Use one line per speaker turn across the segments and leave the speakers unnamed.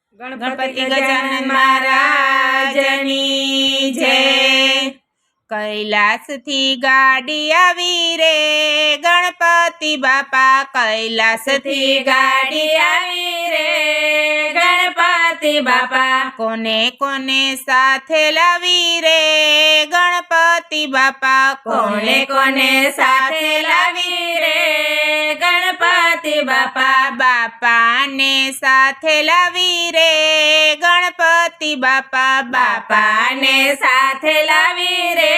गणपति गजानन महाराजनी जय। कैलास थी गाड़ी आवी रे गणपति बापा, कैलास थी गाड़ी आवी रे गणपति बापा। कोने कोने साथे लावी रे गणपति बापा, कोने कोने साथे लावी रे गणपति बापा। बापा ने साथे लावी रे गणपति बापा, बापा ने साथे लावी रे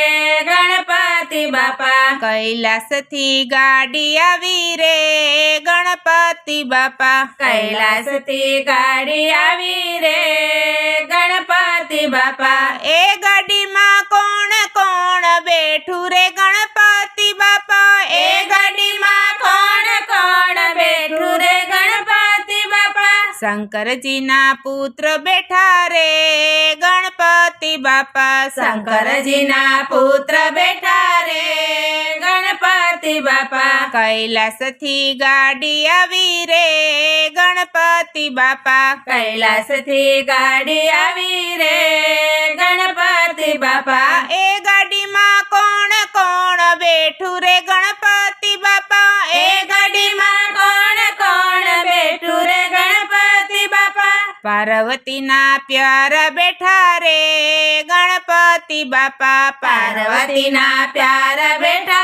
गणपति बापा। कैलास थी गाड़ी आवी रे गणपति बापा, कैलास थी गाड़ी आवी रे गणपति बापा। ए गाड़ी मां कोण कोण बैठू रे गणपति बापा, ए गाड़ी मां कोण कोण बैठू रे गणपति बापा। शंकर जी ना पुत्र बैठा रे गणपति बापा, शंकर जी ना पुत्र बैठा रे गणपति बापा। कैलास थी गाड़ी आवी रे गणपति बापा, कैलास थी गाड़ी आवी रे गणपति बापा। ए गाड़ी मां कोण कोण बैठू रे गणपति बापा, ए गाड़ी मां कोण कोण बैठू रे गणपति बापा। पार्वती ना प्यारा बैठा रे गणपति बापा, पार्वती ना प्यारा बैठा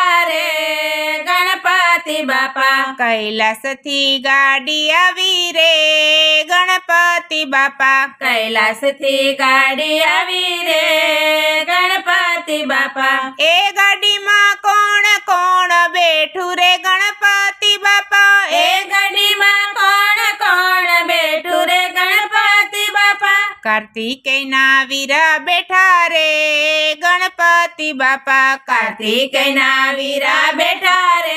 रे गणपति बापा। कैलास थी गाड़ी आवी रे गणपति बापा, कैलास थी गाड़ी आवी रे गणपति बापा। ए गाड़ी मां कोण कोण बैठू रे गणपति बापा, ए गाड़ी मां कोण कोण बैठू रे गणपति बापा। कार्तिकेय ना वीरा बैठा रे गणपति बापा, कार्तिकेय ना वीरा बैठा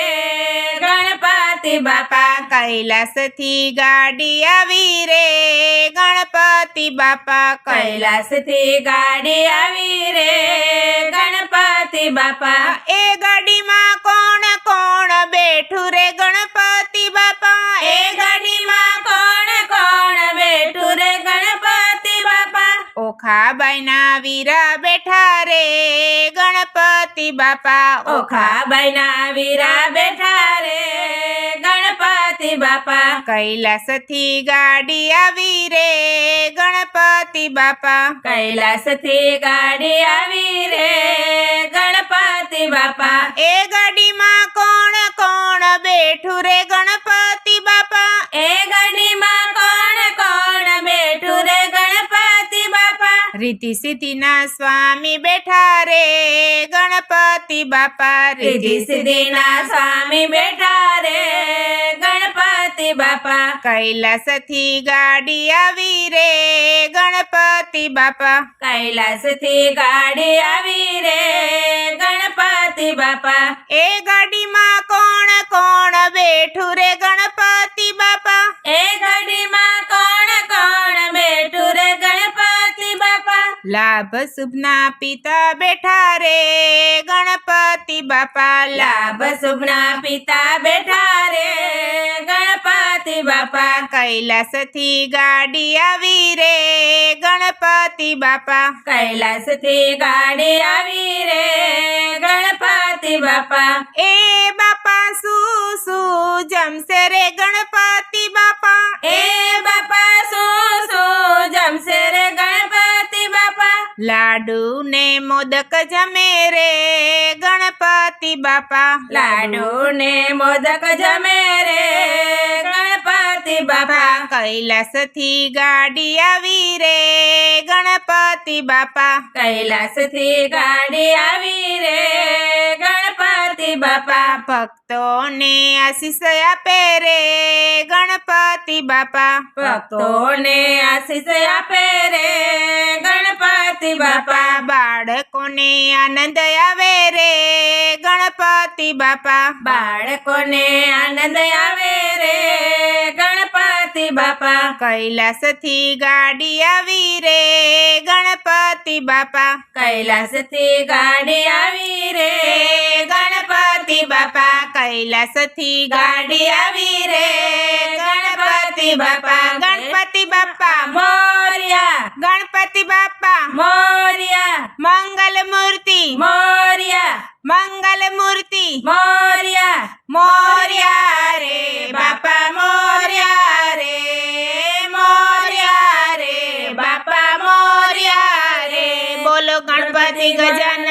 रे गणपति बापा। कैलास थी गाड़ी आवी रे गणपति बापा, कैलास थी गाड़ी आवी रे गणपति बापा। ए गाड़ी मां कोण कोण बैठू रे गणपति बापा, ए गाड़ी मां कोण कोण बैठू रे गणपति बापा। ओखा बायना वीरा बैठा रे गणपति बापा, ओखा बायना वीरा बैठा रे गणपति बापा। कैलास थी गाड़ी आवी रे गणपति बापा, कैलास थी गाड़ी आवी रे गणपति बापा। ए गाड़ी मां कोण कोण बैठू रे गणपति बापा, ए गाड़ी मां कोण कोण बैठू रे गणपति बापा। रिद्धि सिद्धि ना स्वामी बैठा रे गणपति बापा, रिद्धि सिद्धि ना स्वामी बैठा रे गणपति बापा। कैलास थी गाड़ी आवी रे गणपति बापा, कैलास थी गाड़ी आवी रे गणपति बापा। ए गाड़ी मां कोण कोण बैठू रे गणपति बापा, ए गाड़ी मां कोण कोण बैठू रे गणपति बापा। लाभ शुभ ना पिता बैठा रे गणपति बापा, लाभ शुभ ना पिता बैठा रे गणपति बापा। कैलास थी गाड़ी आवी रे गणपति बापा, कैलास थी गाड़ी आवी रे गणपति बापा। ए बापा सू सू जमसे रे गणपति बापा, ए बापा सू सू जमसे रे गणपति बापा। लाडू ने मोदक जमे रे गणपति बापा, लाडू ने मोदक जमे रे गणपति बापा। कैलास थी गाड़ी आवी रे गणपति बापा, कैलास थी गाड़ी आवी रे गणपति बापा। भक्तों ने आशीष आपे रे गणपति बापा, भक्तों ने आशीष आपे रे गणपति बापा। बाळको ने आनंद आवे रे गणपति बापा, बाळको ने आनंद आवे रे गणपति बापा। कैलास थी गाड़ी आवी रे गणपति बापा, कैलास थी गाड़ी आवी रे गणपति बापा। कैलास थी गाड़ी आवी रे गणपति બાપા ગણપતિ બાપા
મોર્યા
ગણપતિ બાપા
મોર્યા
મંગલ મૂર્તિ
મોર્યા
મંગલ મૂર્તિ
મોર્યા
મોર્યા રે બાપા મોર્યા રે બાપા મોર્યા રે બોલો ગણપતિ ગજાનન